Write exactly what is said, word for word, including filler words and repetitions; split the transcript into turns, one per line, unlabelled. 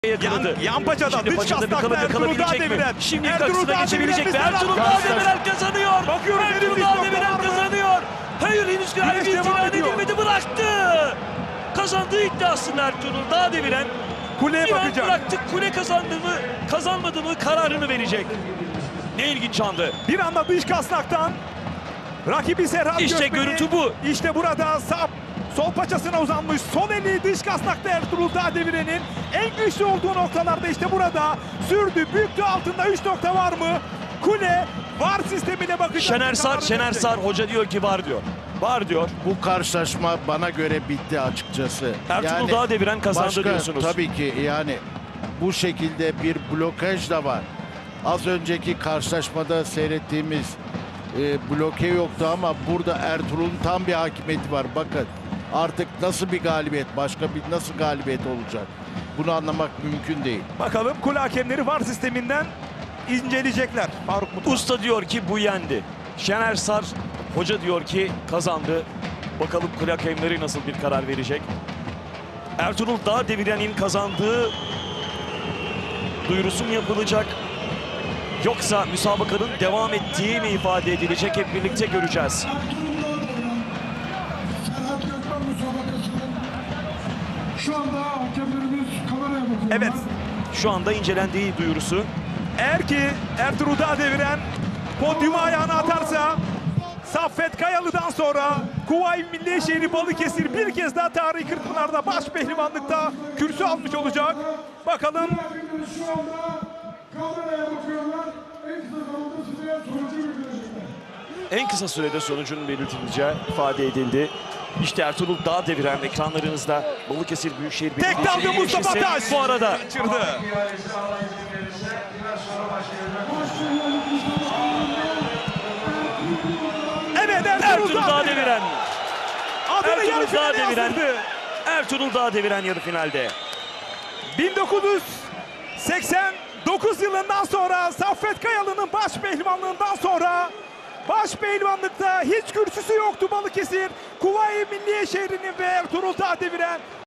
yakaladı.
Yan, yan paçadan
Şimdi
dış
paçada bir
kasnakta
kalı
Ertuğrul
yakalayabilecek mi?
Dağdeviren.
Şimdi
Ertuğrul
karşısına geçebilecek mi?
Dağdeviren
Ertuğrul
bizden
Dağdeviren kazanıyor.
Bakıyorum,
Ertuğrul
henüz
Dağdeviren
nokta var mı?
kazanıyor. Hayır, henüz
Güneş
galibiyet
devam
ilan
ediyor.
edilmedi, bıraktı. Kazandığı iddiasında Ertuğrul Dağdeviren.
Kuleye
Bir an
bakacak.
bıraktık, kule kazandı mı kazanmadı mı kararını verecek. Ne ilginç andı.
Bir anda dış kasnaktan rakibi Serhat
İşte
Gökmen'i,
görüntü bu.
İşte burada sağ sol paçasına uzanmış. Sol eli dış kasnakta Ertuğrul Dağdeviren'in en güçlü olduğu noktalarda işte burada sürdü. Büktü, altında üç nokta var mı? Kule var sistemine bakacak.
Şener Sar,
Kararını
Şener
verecek.
Sar hoca diyor ki var diyor. Var diyor.
Bu karşılaşma bana göre bitti açıkçası.
Ertuğrul Dağdeviren kazandı
başka,
diyorsunuz.
Tabii ki yani bu şekilde bir blokaj da var. Az önceki karşılaşmada seyrettiğimiz e, bloke yoktu ama burada Ertuğrul'un tam bir hakimiyeti var. Bakın artık nasıl bir galibiyet, başka bir nasıl galibiyet olacak? Bunu anlamak mümkün değil.
Bakalım kule hakemleri var sisteminden inceleyecekler. Faruk Mutlu.
Usta diyor ki bu yendi. Şener Sar hoca diyor ki kazandı. Bakalım kule hakemleri nasıl bir karar verecek. Ertuğrul Dağdeviren'in kazandığı duyurusu mu yapılacak? Yoksa müsabakanın devam ettiği mi ifade edilecek? Hep birlikte göreceğiz.
Serhat Gökmen müsabakasının şu anda hakemlerimiz kameraya bakıyorlar.
Evet.
Şu anda incelendiği duyurusu.
Eğer ki Ertuğrul Dağdeviren podyuma ayağını atarsa Saffet Kayalı'dan sonra Kuvayi Milliye Şehri Balıkesir bir kez daha Tarihi Kırkpınar'da baş pehlivanlıkta kürsü almış olacak. Bakalım
Hakemlerimiz şu anda kameraya bakıyorlar. En kısa zamanda size sonucu bildirecekler.
En kısa sürede sonucunun belirtileceği ifade edildi. İşte Ertuğrul Dağdeviren ekranlarınızda Balıkesir Büyükşehir
tek
Belediyesi
dalga Mustafa
üyesi
Taş
bu arada.
kaçırdı. Evet Ertuğrul,
Ertuğrul
Dağdeviren.
Dağdeviren.
Adını yarı
Ertuğrul
finale
Dağdeviren.
yazdırdı.
Ertuğrul Dağdeviren yarı finalde.
bin dokuz yüz seksen dokuz yılından sonra Saffet Kayalı'nın baş pehlivanlığından sonra baş pehlivanlıkta hiç kürsüsü yoktu Balıkesir. Kuvayi Milliye Şehri'nin ve Ertuğrul Dağdeviren